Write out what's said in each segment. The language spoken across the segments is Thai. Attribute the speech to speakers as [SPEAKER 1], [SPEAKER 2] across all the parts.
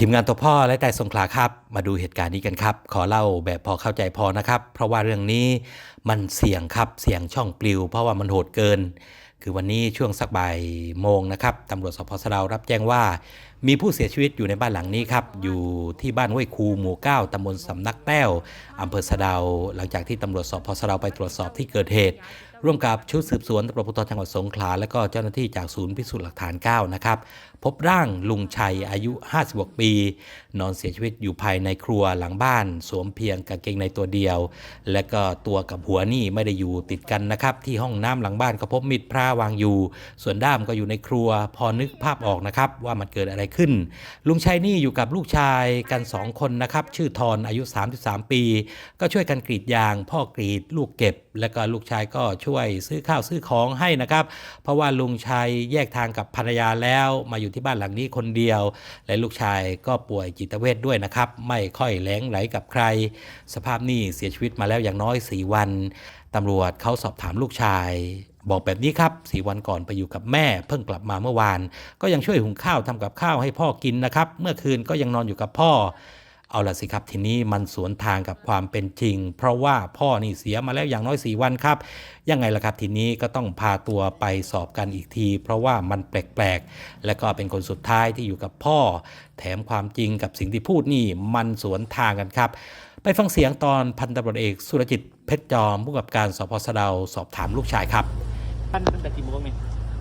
[SPEAKER 1] ทีมงานตัวพ่อและแต่สงขลาครับมาดูเหตุการณ์นี้กันครับขอเล่าแบบพอเข้าใจพอนะครับเพราะว่าเรื่องนี้มันเสี่ยงครับเสี่ยงช่องปลิวเพราะว่ามันโหดเกินคือวันนี้ช่วงสักบ่ายโมงนะครับตำรวจสพสะเดารับแจ้งว่ามีผู้เสียชีวิตอยู่ในบ้านหลังนี้ครับอยู่ที่บ้านห้วยคูหมู่9ตำบลสำนักแต้วอำเภอสะเดาหลังจากที่ตำรวจสพสะเดาไปตรวจสอบที่เกิดเหตุร่วมกับชุดสืบสวนตำรวจภูธรจังหวัดสงขลาและก็เจ้าหน้าที่จากศูนย์พิสูจน์หลักฐาน9นะครับพบร่างลุงชัยอายุ56ปีนอนเสียชีวิตอยู่ภายในครัวหลังบ้านสวมเพียงกางเกงในตัวเดียวและก็ตัวกับหัวนี่ไม่ได้อยู่ติดกันนะครับที่ห้องน้ำหลังบ้านก็พบมีดพระวางอยู่ส่วนด้ามก็อยู่ในครัวพอนึกภาพออกนะครับว่ามันเกิดอะไรขึ้นลุงชัยนี่อยู่กับลูกชายกัน2คนนะครับชื่อทรอายุ33ปีก็ช่วยกันกรีดยางพ่อกรีดลูกเก็บและก็ลูกชายก็ช่วยซื้อข้าวซื้อของให้นะครับเพราะว่าลุงชัยแยกทางกับภรรยาแล้วมาอยู่ที่บ้านหลังนี้คนเดียวและลูกชายก็ป่วยจิตเวชด้วยนะครับไม่ค่อยแหลงไหลกับใครสภาพนี่เสียชีวิตมาแล้วอย่างน้อย4วันตำรวจเขาสอบถามลูกชายบอกแบบนี้ครับ4วันก่อนไปอยู่กับแม่เพิ่งกลับมาเมื่อวานก็ยังช่วยหุงข้าวทำกับข้าวให้พ่อกินนะครับเมื่อคืนก็ยังนอนอยู่กับพ่อเอาล่ะสิครับทีนี้มันสวนทางกับความเป็นจริงเพราะว่าพ่อนี่เสียมาแล้วอย่างน้อย4วันครับยังไงล่ะครับทีนี้ก็ต้องพาตัวไปสอบกันอีกทีเพราะว่ามันแปลกๆและก็เป็นคนสุดท้ายที่อยู่กับพ่อแถมความจริงกับสิ่งที่พูดนี่มันสวนทางกันครับไปฟังเสียงตอนพันตำรวจเอกสุรจิตเพชรจอมผู้กำกับการสพสะเดาสอบถามลูกชายครับ
[SPEAKER 2] ตั้งแต่กี่โมงเนี่ย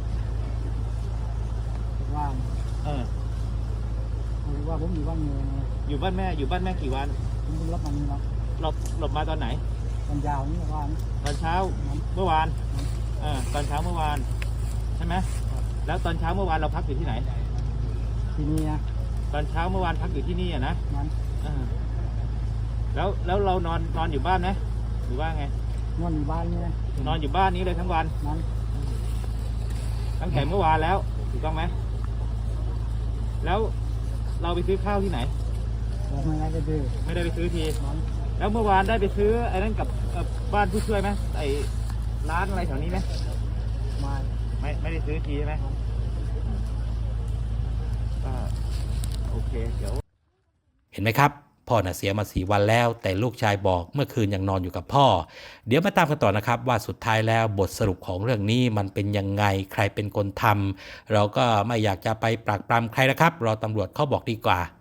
[SPEAKER 3] ว่าง
[SPEAKER 2] เออ
[SPEAKER 3] ว่าผมอยู่บ้านเมือง
[SPEAKER 2] อยู่บ้านแม่กี่วัน
[SPEAKER 3] ผมเป็นรับมันนี่ครับ
[SPEAKER 2] หลบมาตอนไหน
[SPEAKER 3] ตอนยาวนี่ว่าน
[SPEAKER 2] ตอนเช้าเมื่อวานตอนเช้าเมื่อวานใช่ไหมแล้วตอนเช้าเมื่อวานเราพักอยู่ที่ไหน
[SPEAKER 3] ที่นี่นะ
[SPEAKER 2] ตอนเช้าเมื่อวานพักอยู่ที่นี่นะ
[SPEAKER 3] นั้น
[SPEAKER 2] แล้วเรานอนอยู่บ้านไหมหรือว่าไง
[SPEAKER 3] นอนอยู่บ้านนี่นะ
[SPEAKER 2] นอนอยู่บ้านนี้เลยทั้งวัน
[SPEAKER 3] นั้น
[SPEAKER 2] ตั้งแต่เมื่อวานแล้วถูกต้องไหมแล้วเราไปซื้อข้าวที่ไหน
[SPEAKER 3] ไม่ได้ไปซื้อ
[SPEAKER 2] ทีแล้วเมื่อวานได้ไปซื้อไอ้นั่นกับบ้านผู้ช่วยไหมไอ้ร้านอะไรแถวนี้ไหมไม่ได้ซื้อทีใช่ไหมโอเคเดี๋ยว
[SPEAKER 1] เห็นไหมครับพ่อน่ะเสียมา4วันแล้วแต่ลูกชายบอกเมื่อคืนยังนอนอยู่กับพ่อเดี๋ยวมาตามกันต่อนะครับว่าสุดท้ายแล้วบทสรุปของเรื่องนี้มันเป็นยังไงใครเป็นคนทำเราก็ไม่อยากจะไปปรักปรำใครนะครับรอตำรวจเขาบอกดีกว่า